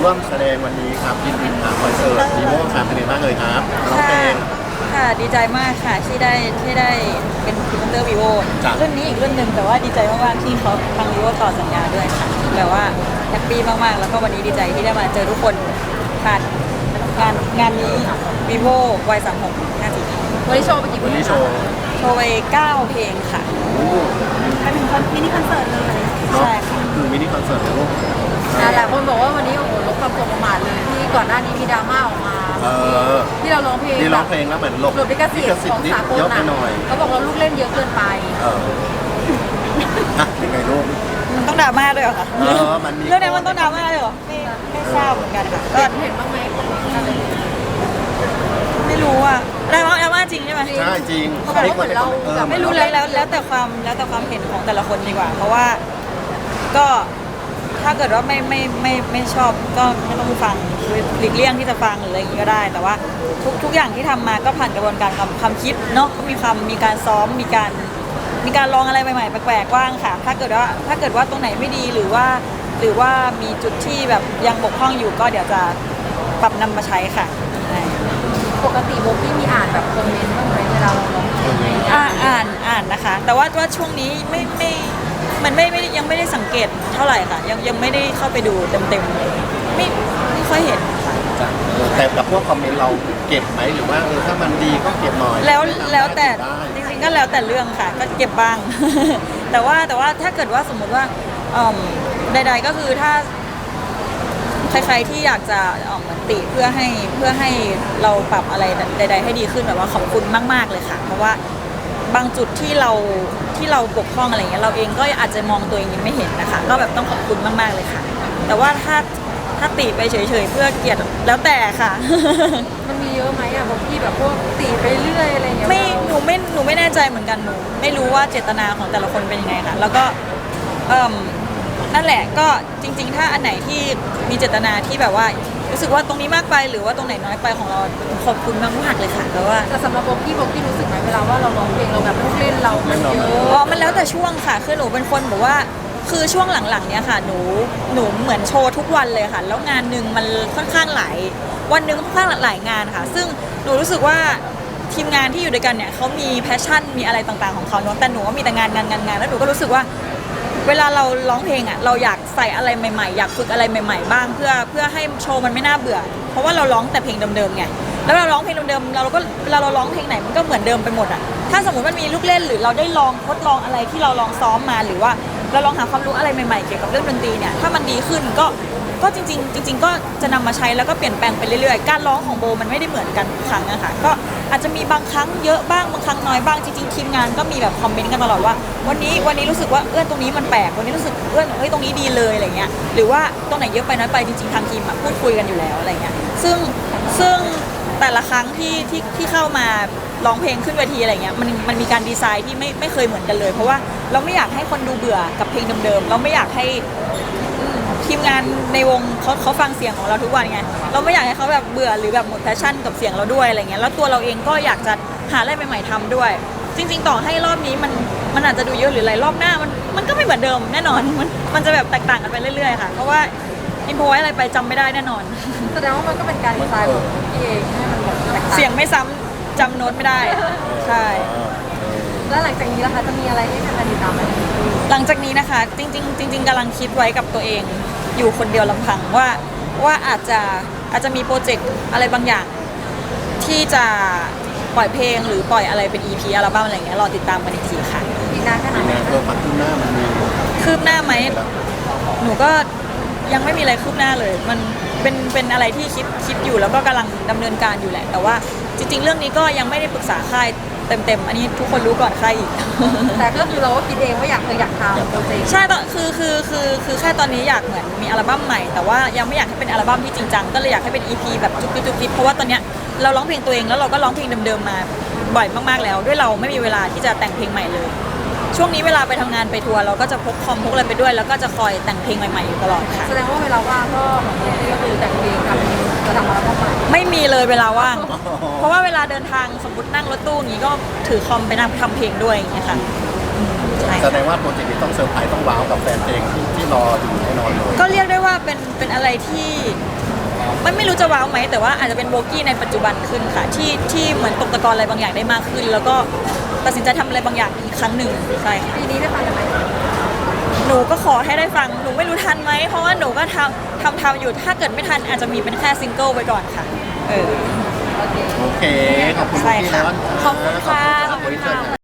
ร่วมแสดงวันนี้ครับยินดีครับคอนเสิร์ตดีโม่ครับเป็นไงบ้างเลยครับร้องเพลงค่ะดีใจมากค่ะที่ได้เป็นพรีเซนเตอร์ vivo รุ่นนี้อีกรุ่นหนึ่งแต่ว่าดีใจมากๆที่เขาทาง vivo ต่อสัญญาด้วยค่ะแบบว่าแฮปปี้มากๆแล้วก็วันนี้ดีใจที่ได้มาเจอทุกคนผ่านงานนี้ vivo Y36 5G วันนี้โชว์ไปกี่เพลวันงนี้โชว์โชว์ไป9เพลงค่ะเป็นมินิคอนเสิร์ตเลยเนาะใช่ค่ะคือมินิคอนเสิร์ตนะลูกหลายคนบอกว่าวันนี้โอ้โหลดความประมาทเลยที่ก่อนหน้านี้มีดราม่าออกมา ที่เราร้องเพลงที่ร้องเพลงแล้วเหมือนหลบหลุดลิขสิทธิ์ของนี่สากลเยอะไปหน่อยเขาบอกว่าลูกเล่นเยอะเกินไปยังไงลูกมันต้องดราม่าด้วยเหรอคะมันมีเรื่องนี้มันต้องดราม่าเลยเหรอไม่ทราบเหมือนกันค่ะก็เห็นบ้างไหมไม่รู้อ่ะดราม่าจริงใช่ไหมใช่จริงเขาบอกว่าเหมือนเราไม่รู้แล้วแต่ความเห็นของแต่ละคนดีกว่า เพราะว่าก็ถ้าเกิดว่าไม่ชอบก็ไม่ต้องฟังหลีกเลี่ยงที่จะฟังหรืออะไรอย่างนี้ก็ได้ แต่ว่าทุกอย่างที่ทำมาก็ผ่านกระบวนการความคิดเนาะก็มีการซ้อมมีการลองอะไรใหม่ๆแปลกๆว่างค่ะถ้าเกิดว่าตรงไหนไม่ดีหรือว่ามีจุดที่แบบยังบกพร่องอยู่ก็เดี๋ยวจะปรับนำมาใช้ค่ะปกติโบกี้มีอ่านแบบคอมเมนต์บ้างไหมเวลาเราร้องเพลงอะไรอย่างเงี้ยอ่านนะคะ แต่ว่าช่วงนี้มันไม่ยังไม่ได้สังเกตเท่าไหร่ค่ะยังไม่ได้เข้าไปดูเต็มเลยไม่ค่อยเห็นค่ะแต่กับพวกคอมเมนต์เราเก็บไหมหรือว่าถ้ามันดีก็เก็บหน่อยแล้วแต่ได้จริงๆก็แล้วแต่เรื่องค่ะ ก็เก็บบ้าง แต่ว่าถ้าเกิดว่าสมมุติว่าใดๆก็คือถ้าใครๆที่อยากจะเหมือนติเพื่อให้เราปรับอะไรใดๆให้ดีขึ้นแบบว่าขอบคุณมากๆเลยค่ะ เพราะว่าบางจุดที่เราบกพร่องอะไรเงี้ยเราเองก็อาจจะมองตัวเองยังไม่เห็นนะคะก็แบบต้องขอบคุณมากๆเลยค่ะ แต่ว่าถ้าติไปเฉยๆเพื่อเกลียดแล้วแต่ค่ะมันมีเยอะไหมอะโบกี้แบบพวกตีไปเรื่อยอะไรอย่างเงี้ยหนูไม่แน่ใจเหมือนกันหนูไม่รู้ว่าเจตนาของแต่ละคนเป็นยังไงค่ะ แล้วก็นั่นแหละก็จริงๆ ถ้าอันไหนที่มีเจตนาที่แบบว่ารู้สึกว่าตรงนี้มากไปหรือว่าตรงไหนน้อยไปของเราขอบคุณมากๆเลยค่ะแต่ว่าแต่สำหรับโบกี้รู้สึกไหมเวลาว่าเราร้องเพลงเราแบบลูกเล่นเราเยอะมันแล้วแต่ช่วงค่ะคือหนูเป็นคนแบบว่าคือช่วงหลังๆเนี้ยค่ะหนูเหมือนโชว์ทุกวันเลยค่ะแล้วงานหนึ่งมันค่อนข้างหลายวันหนึ่งค่อนข้างหลายงานค่ะซึ่งหนูรู้สึกว่าทีมงานที่อยู่ด้วยกันเนี่ยเขามีแพชชั่นมีอะไรต่างๆของเขาเนาะแต่หนูก็มีแต่งานแล้วหนูก็รู้สึกว่าเวลาเราร้องเพลงอ่ะเราอยากใส่อะไรใหม่ๆอยากฝึกอะไรใหม่ๆบ้างเพื่อให้โชว์มันไม่น่าเบื่อเพราะว่าเราร้องแต่เพลงเดิมๆไงแล้วเราร้องเพลงเดิมๆเราก็เวลาเราร้องเพลงไหนมันก็เหมือนเดิมไปหมดอ่ะถ้าสมมติมันมีลูกเล่นหรือเราได้ลองทดลองอะไรที่เราลองซ้อมมาหรือว่าเราลองหาความรู้อะไรใหม่ๆเกี่ยวกับเรื่องดนตรีเนี่ยถ้ามันดีขึ้นก็จริงๆก็จะนำมาใช้แล้วก็เปลี่ยนแปลงไปเรื่อยๆการร้องของโบมันไม่ได้เหมือนกันทุกครั้งอะค่ะก็อาจจะมีบางครั้งเยอะบ้างบางครั้งน้อยบ้างจริงๆทีมงานก็มีแบบคอมเมนต์กันตลอดว่าวันนี้รู้สึกว่าตรงนี้มันแปลกวันนี้รู้สึกตรงนี้ดีเลยอะไรเงี้ยหรือว่าตรงไหนเยอะไปน้อยไปจริงๆทางทีมพูดคุยกันอยู่แล้วอะไรเงี้ยซึ่งแต่ละครั้งที่เข้ามาร้องเพลงขึ้นเวทีอะไรเงี้ยมันมีการดีไซน์ที่ไม่เคยเหมือนกันเลยเพราะว่าเราไม่อยากให้คนดูเบื่อกับเพลงเดิมๆเราไม่อยากให้ทีมงานในวงเขาฟังเสียงของเราทุกวันไงเราไม่อยากให้เขาแบบเบื่อหรือแบบหมดแพชชั่นกับเสียงเราด้วยอะไรเงี้ยแล้วตัวเราเองก็อยากจะหาอะไรใหม่ๆทำด้วยจริงๆต่อให้รอบนี้มันอาจจะดูเยอะหรืออะไรรอบหน้ามันก็ไม่เหมือนเดิมแน่นอนมันจะแบบแตกต่างกันไปเรื่อยๆค่ะเพราะว่าอินโพไว้อะไรไปจำไม่ได้แน่นอนแสดงว่ามันก็เป็นการดีไซน์ของพี่เองให้มันแบบแตกต่างเสียงไม่ซ้ำจำโน้ตไม่ได้ใช่แล้วหลังจากนี้ล่ะคะจะมีอะไรให้แฟนๆติดตามไหมหลังจากนี้นะคะจริงๆกำลังคิดไว้กับตัวเองอยู่คนเดียวลำพังว่าอาจจะมีโปรเจกต์อะไรบางอย่างที่จะปล่อยเพลงหรือปล่อยอะไรเป็น EP อัลบั้มอะไรอย่างเงี้ยรอติดตามกันอีกทีค่ะอีกนานแค่ไหนปัดขึ้นหน้ามันมีคืบหน้าไหมหนูก็ยังไม่มีอะไรคืบหน้าเลยมันเป็นอะไรที่คิดอยู่แล้วก็กำลังดำเนินการอยู่แหละแต่ว่าจริงๆเรื่องนี้ก็ยังไม่ได้ปรึกษาค่ายเต็มๆอันนี้ทุกคนรู้ก่อนค่ายอีกแต่ก็คือเราก็คิดเองว่าอยากทำโปรเจกต์ใช่ตอนคือแค่ตอนนี้อยากเหมือนมีอัลบั้มใหม่แต่ว่ายังไม่อยากให้เป็นอัลบั้มที่จริงจังก็เลยอยากให้เป็น EP แบบจุกจิกเพราะว่าตอนเนี้ยเราร้องเพลงตัวเองแล้วเราก็ร้องเพลงเดิมๆมาบ่อยมากๆแล้วด้วยเราไม่มีเวลาที่จะแต่งเพลงใหม่เลยช่วงนี้เวลาไปทำงานไปทัวร์เราก็จะพกคอมพกอะไรไปด้วยแล้วก็จะคอยแต่งเพลงใหม่ๆอยู่ตลอดค่ะแสดงว่าเวลาว่างก็ของโบกี้ก็คือแต่งเพลงกับจะทำอัลบั้มใหม่ไม่มีเลยเวลาว่าง เพราะว่าเวลาเดินทางสมมตินั่งรถตู้อย่างนี้ก็ถือคอมไปนั่งทำเพลงด้วยอย่างเงี้ยค่ะใช่แสดงว่าโปรเจกต์นี้ต้องเซอร์ไพรส์ต้องว้าวกับแฟนเพลงที่รออยู่แน่นอนเลยก็เรียกได้ว่าเป็นอะไรที่ไม่รู้จะว้าวไหมแต่ว่าอาจจะเป็นโบกี้ในปัจจุบันขึ้นค่ะที่เหมือนตกตะกอนอะไรบางอย่างได้มากขึ้น แล้วก็ตัดสินใจทำอะไรบางอย่างอีกครั้งหนึ่งใช่ค่ะปีนี้ได้ฟังกันไหมหนูก็ขอให้ได้ฟังหนูไม่รู้ทันไหมเพราะว่าหนูก็ทำอยู่ถ้าเกิดไม่ทันอาจจะมีเป็นแค่ซิงเกิลไปก่อนค่ะโอเค ขอบคุณใช่พี่ค่ะแล้วขอบคุณค่ะขอบคุณค่ะ